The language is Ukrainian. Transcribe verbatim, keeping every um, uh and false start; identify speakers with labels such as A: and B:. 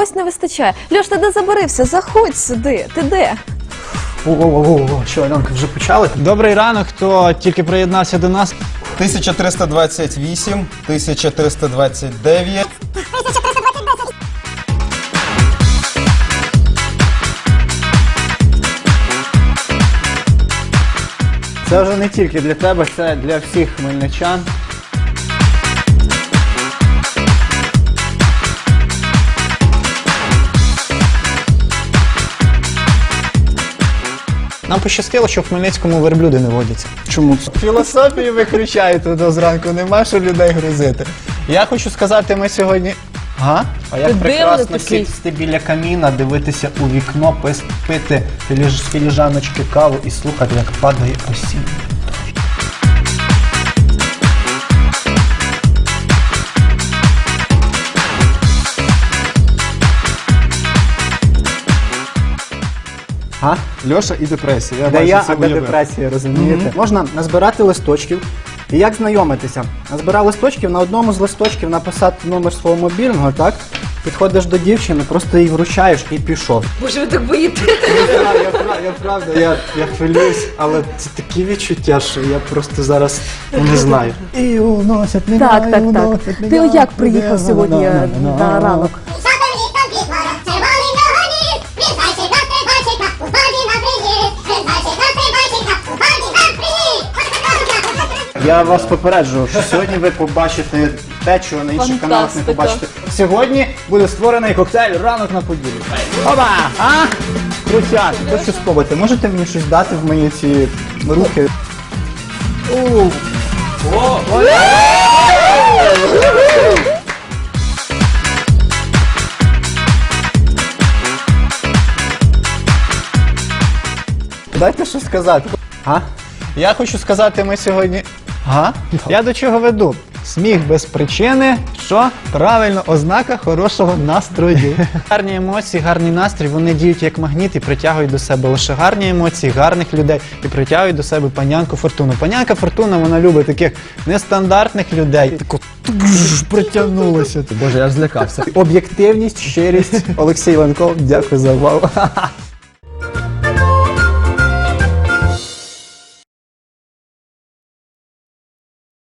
A: чогось не вистачає. Льош, ти де забарився? Заходь сюди. Ти де?
B: О-о-о, що, Альонка, вже почали? Добрий ранок, хто тільки приєднався до нас.
C: тисяча триста двадцять вісім, тисяча триста двадцять дев'ять.
B: Це вже не тільки для тебе, це для всіх хмельничан. Нам пощастило, що в Хмельницькому верблюди не водяться. Чому? Філософію виключаєте до зранку, нема що людей грузити. Я хочу сказати, ми сьогодні... Га? А як
A: Ти
B: прекрасно
A: дивний такий.
B: сісти біля каміна, дивитися у вікно, пис- пити філіж- з філіжаночки каву і слухати, як падає осінь.
D: А? Льоша і депресія. Я
B: Де
D: бачу,
B: я,
D: це
B: а де
D: уявив.
B: депресія, розумієте? Можна назбирати листочків. І як знайомитися? Назбирав листочків, на одному з листочків написати номер свого мобільного, так? Підходиш до дівчини, просто їй вручаєш і пішов.
A: Боже, ви так боїте.
B: Я, я, я, я правда, я, я хвилююсь, але це такі відчуття, що я просто зараз не знаю. І уносять мене,
A: Так, так,
B: і
A: так.
B: уносять мене,
A: Ти як приїхав
B: мене,
A: сьогодні
B: мене, мене.
A: на ранок?
E: Сатаністам підмора, червоний вогоні, він зайчик на стрибайчика, у воді на приїзд, він зайчик на стрибайчика, у воді на приїзд.
B: Я вас попереджую, що сьогодні ви побачите те, чого на інших каналах не
A: Фантастика.
B: побачите. Сьогодні буде створений коктейль «Ранок на Поділі». Опа! А? Крутяк, хочу спробувати. Можете мені щось дати в мої ці руки? У. О! Дайте щось сказати. А? Я хочу сказати, ми сьогодні... Ага. Я до чого веду? Сміх без причини, що правильно, ознака хорошого настрою. Гарні емоції, гарний настрій, вони діють як магніт і притягують до себе лише гарні емоції, гарних людей і притягують до себе панянку Фортуну. Панянка Фортуна, вона любить таких нестандартних людей. Тако тж, притягнулося. Боже, я ж злякався. Об'єктивність, щирість. Олексій Ленков, дякую за увагу.